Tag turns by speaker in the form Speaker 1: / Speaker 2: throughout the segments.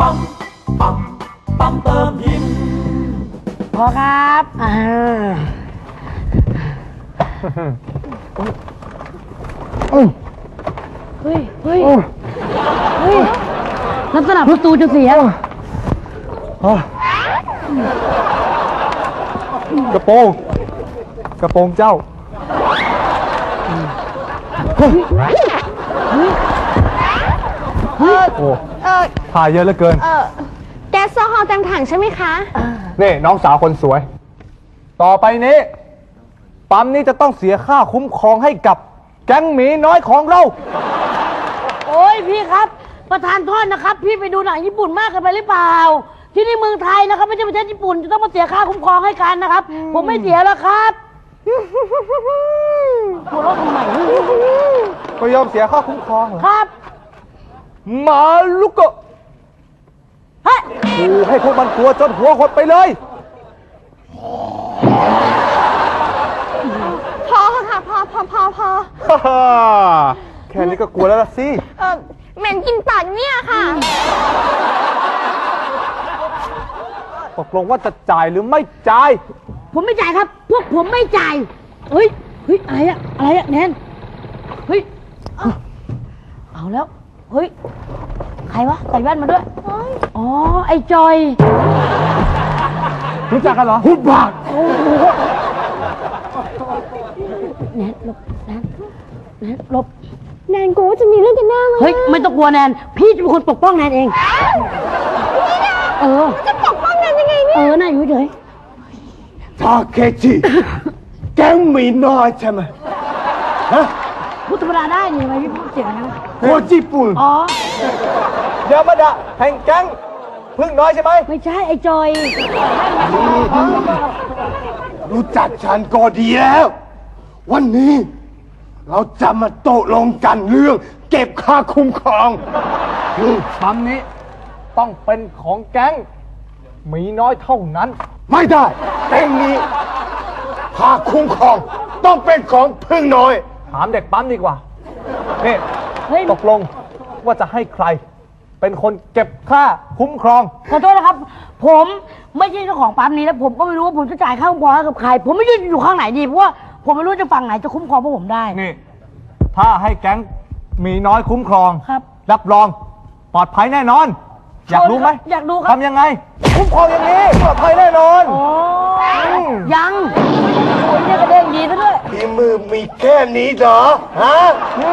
Speaker 1: ปั๊มปั๊มปั๊มเติมหิน
Speaker 2: พอครับเฮ้ยลักษณะประตูจะเสีย
Speaker 3: กระโปรงเจ้าโอ้ถ่ายเยอะเหลือเกิน
Speaker 4: แก๊สโซฮอลเต็มถังใช่ไหมคะ
Speaker 3: นี่น้องสาวคนสวยต่อไปนี้ปั๊มนี้จะต้องเสียค่าคุ้มครองให้กับแก๊งหมีน้อยของเรา
Speaker 2: โอ้ยพี่ครับประธานโทษนะครับพี่ไปดูหนังญี่ปุ่นมากเกินไปหรือเปล่าที่นี่เมืองไทยนะครับไม่ใช่ประเทศญี่ปุ่นจะต้องมาเสียค่าคุ้มครองให้กันนะครับผมไม่เสียแล้วครับหัวเราะทำไม
Speaker 3: ก็ยอมเสียค่าคุ้มครองเหรอ
Speaker 2: ครับ
Speaker 3: มาลุกะ
Speaker 2: เฮ้ย
Speaker 3: ให้พวกมันกลัวจนหัวหดไปเลย
Speaker 4: พอค่ะพอ
Speaker 3: แค่นี้ก็กลัวแล้วล่ะสิ
Speaker 4: เหม็นกินปากเนี่ยค่ะ
Speaker 3: ตกลงว่าจะจ่ายหรือไม่จ่าย
Speaker 2: ผมไม่จ่ายครับพวกผมไม่จ่ายเฮ้ยอะไรอะแนนเฮ้ยเอาแล้วเฮ้ยใครวะใส่แว่นมาด้วยอ๋อไอ้จอย
Speaker 3: รู้จักกันเหรอพูดบาด
Speaker 2: แนนหลบ
Speaker 4: แนนกลัวว่าจะมีเรื่องกันแน่เลย
Speaker 2: เฮ้ยไม่ต้องกลัวแนนพี่จะเป็นคนปกป้องแนนเอง
Speaker 4: จะปกป้องแนนยังไงเนี่ย
Speaker 2: น่าอยู่เฉย
Speaker 3: ทาเคจิแก๊งหมีน้อยใช่ไหมฮะ
Speaker 2: พูดธรรมดาได้นี่ทำไมพี่พูดเสียงนะ
Speaker 3: โคจิปุ่นยามาดะแห่งแก๊งพึ่งน้อยใช่ไหม
Speaker 2: ไม่ใช่ไอ้จอย
Speaker 3: รู้จักฉันก็ดีแล้ววันนี้เราจะมาโตลงกันเรื่องเก็บค่าคุ้มครองปั๊มนี้ต้องเป็นของแก๊งหมีน้อยเท่านั้นไม่ได้แก๊งนี้ค่าคุ้มครองต้องเป็นของพึ่งน้อยถามเด็กปั๊มดีกว่านี่ตกลงว่าจะให้ใครเป็นคนเก็บค่าคุ้มครอง
Speaker 2: ขอโทษนะครับผมไม่ใช่เจ้าของปั๊มนี้แล้วผมก็ไม่รู้ว่าผมจะจ่ายค่าคุ้มครองให้กับใครผมไม่รู้จะอยู่ข้างไหนดีเพราะว่าผมไม่รู้จะฝั่งไหนจะคุ้มครองพวกผมได้
Speaker 3: นี่ถ้าให้แก๊งมีน้อยคุ้มครอง
Speaker 2: ครับ
Speaker 3: รับรองปลอดภัยแน่นอนอยากรู้ไหม
Speaker 2: อยากดูครับ
Speaker 3: ทำยังไงคุ้มครองอย่างนี้ปลอดภัยแน่นอน
Speaker 2: ยังโอ้ยเนี่ยกระเด้งดีซะด้วย
Speaker 3: ทีมือมีแค่นี้เหรอฮะ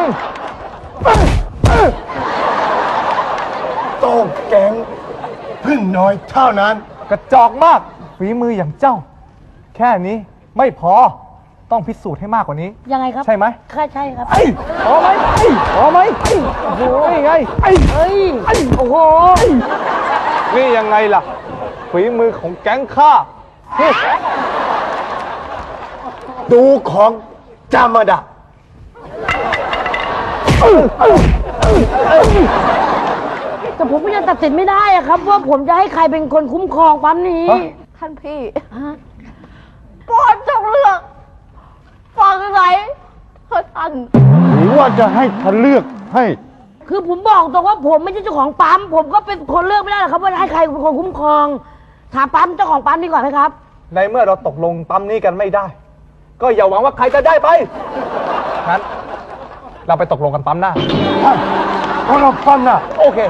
Speaker 3: ต้องแก๊งพึ่งน้อยเท่านั้นกระจอกมากฝีมืออย่างเจ้าแค่นี้ไม่พอต้องพิสูจน์ให้มากกว่านี้
Speaker 2: ยังไงครับ
Speaker 3: ใช่ไหม
Speaker 2: ใช่ครับ
Speaker 3: พอไหมโอ้โหนี่ไง
Speaker 2: โอ้โห
Speaker 3: นี่ยังไงล่ะฝีมือของแก๊งข้าดูของจามาดะ
Speaker 2: แต่ผมยังตัดสินไม่ได้อะครับว่าผมจะให้ใครเป็นคนคุ้มครองปั๊มนี้
Speaker 4: ท่านพี่โปรดจงเลือกฟังอะไรเพื่อท่าน
Speaker 3: หรือว่าจะให้ท่านเลือกให้
Speaker 2: คือผมบอกตรงว่าผมไม่ใช่เจ้าของปั๊มผมก็เป็นคนเลือกไม่ได้หรอกครับว่าให้ใครเป็นคนคุ้มครองถามปั๊มเจ้าของปั๊มดีกว่าไหมครับ
Speaker 3: ในเมื่อเราตกลงปั๊มนี้กันไม่ได้ก็อย่าหวังว่าใครจะได้ไปงั้นเราไปตกลงกันปั๊มหน้าเราปั๊มหน้าโอเค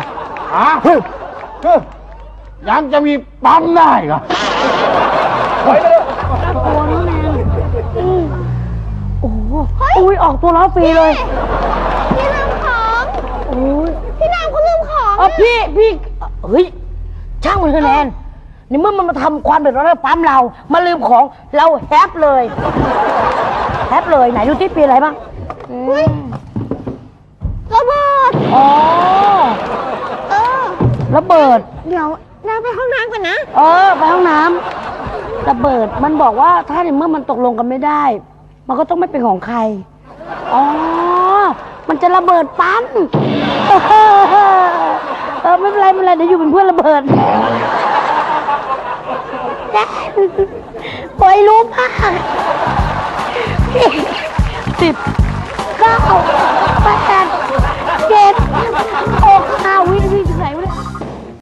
Speaker 3: ยังจะมีปั๊มได้เหรอไปเลย
Speaker 2: โอ้น้องแนนโอ้โหอุ้ยออกตัวล้อฟรีเลย
Speaker 4: พี่ลืมของ
Speaker 2: โอ้ย
Speaker 4: พี่นางเขาลืมของ
Speaker 2: พี่เฮ้ยช่างมันคะแนนในเมื่อมันมาทำความเดือดร้อนให้ปั๊มเรามาลืมของเราแฮปเลยไหนดูที่ปีอะไรบ้าง
Speaker 4: ระเบิด
Speaker 2: ระเบิด
Speaker 4: เดี๋ยวเราไปห้องน้ำก่อนนะ
Speaker 2: ไปห้องน้ำระเบิดมันบอกว่าถ้าในเมื่อมันตกลงกันไม่ได้มันก็ต้องไม่เป็นของใครมันจะระเบิดปั๊มไม่เป็นไรเดี๋ยวอยู่เป็นเพื่อนระเบิดปล่อยรู้มาก10 9 8 7